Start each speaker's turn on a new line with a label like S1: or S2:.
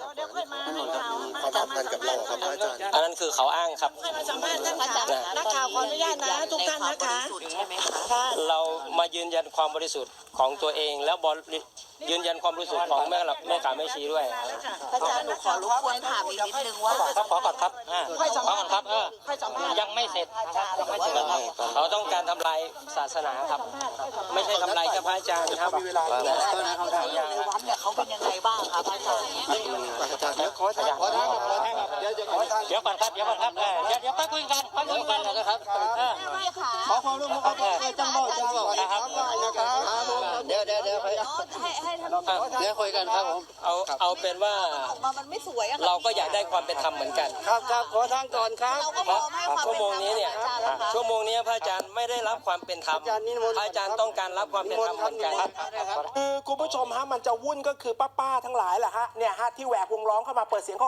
S1: เดี๋ยวค่อยมาให้ข่าวเขาสัมภาษณ์กับเราครับอาจารย์
S2: อันนั้นคือเขาอ้างครับ
S1: ค่อยมาสัมภาษณ์ท่านค่ะนักข่าวขออนุญาตนะทุกท่านนะคะ
S3: ใช่ไหมคะ
S2: เรามายืนยันความบริสุทธิ์ของตัวเองแล้วยืนยันความบริสุทธิ์ของแม่ขาแม่ชีด้วย
S3: อาจารย์หนูขอรบกวนถามอีกนิดนึงว่า
S2: ครับขอก่อนครับ
S1: ค่อยสัมภาษณ์
S2: ครับ
S4: ยังไม่เสร็จยังไม่เสร็จ
S2: เขาต้องการทำลายศาสนาครับไม่ใช่ทำลายแค่พระอาจารย์ครับ
S1: มีเวลาแล้วนะ
S3: ในวัดเนี่ยเขาเป็นยังไงบ้างครับอาจารย์
S1: อาจารย์ขอทางครับเดี๋ยวก่อนครับ
S4: เดี๋ยวค่อยคุยกัน
S2: นะครับ
S1: ขอความร่วมมือครับจังบ่าวนะครับเดี๋ยว
S3: ให้ท่าน
S1: เดี๋ยวคุยกันครับผม
S2: เอาเป็นว่า
S3: มันไม่สวยอะ
S2: เราก็อยากได้ความเป็นธรรมเหมือนกัน
S1: ครับขอทางก่อนครับ
S3: เราก็พร้อมให้ความ
S2: ชั่ว
S3: เป็น
S2: โมง
S3: ธรรม
S2: นี้เนี่ย ชั่วโมงนี้พระอาจารย์ไม่ได้รับความเป็นธรรมพระอาจารย์ต้องการรับความเป็นธรรมเหมือนกัน
S5: คือคุณผู้ชมฮะมันจะวุ่นก็คือป้าๆทั้งหลายแหละฮะเนี่ยฮะที่แหวกวงล้อมเข้ามาเปิดเสียง